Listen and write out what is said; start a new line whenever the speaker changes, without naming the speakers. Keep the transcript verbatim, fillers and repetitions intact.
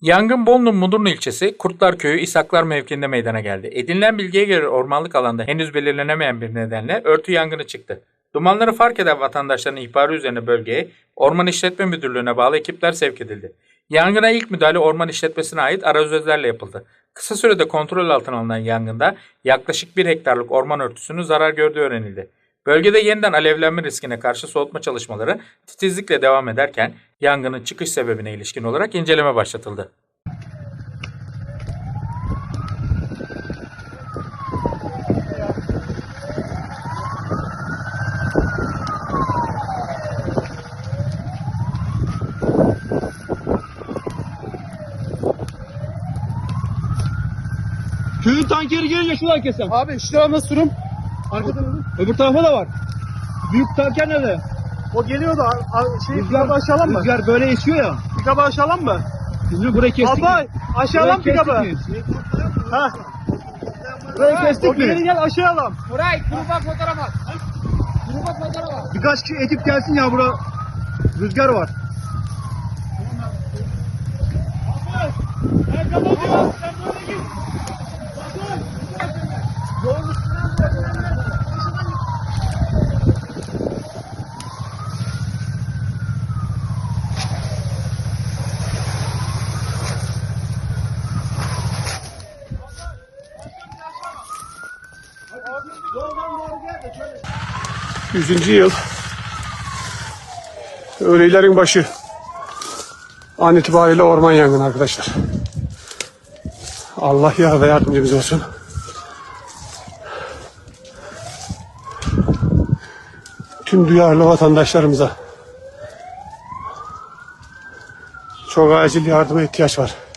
Yangın Bolu'nun Mudurnu ilçesi Kurtlar Köyü İshaklar mevkiinde meydana geldi. Edinilen bilgiye göre ormanlık alanda henüz belirlenemeyen bir nedenle örtü yangını çıktı. Dumanları fark eden vatandaşların ihbarı üzerine bölgeye Orman İşletme Müdürlüğü'ne bağlı ekipler sevk edildi. Yangına ilk müdahale orman işletmesine ait arazözlerle yapıldı. Kısa sürede kontrol altına alınan yangında yaklaşık bir hektarlık orman örtüsünün zarar gördüğü öğrenildi. Bölgede yeniden alevlenme riskine karşı soğutma çalışmaları titizlikle devam ederken yangının çıkış sebebine ilişkin olarak inceleme başlatıldı.
Köyün tankeri gelince şuradan kesem.
Abi şu tarafa sürüm. Arkadan alın.
Öbür tarafa da var. Büyük tanker nerede?
O geliyordu. Şey, pikabı aşağılan mı?
Rüzgar böyle esiyor ya.
Pikabı aşağılan mı?
Biz burayı kestik.
Abi aşağılan
Burayı
pikabı.
kestik mi?
Ha.
Burayı kestik
O geri
mi?
gel aşağılan.
Buray, gruba fotoğraf at. Gruba fotoğraf at.
Birkaç kişi ekip gelsin ya, bura rüzgar var.
Ben kapatıyorum. Sen böyle git. Yolun üstünden
Yüzüncü yıl öğlelerin başı an itibariyle orman yangını arkadaşlar. Allah yar ve yardımcımız olsun. Tüm duyarlı vatandaşlarımıza çok acil yardıma ihtiyaç var.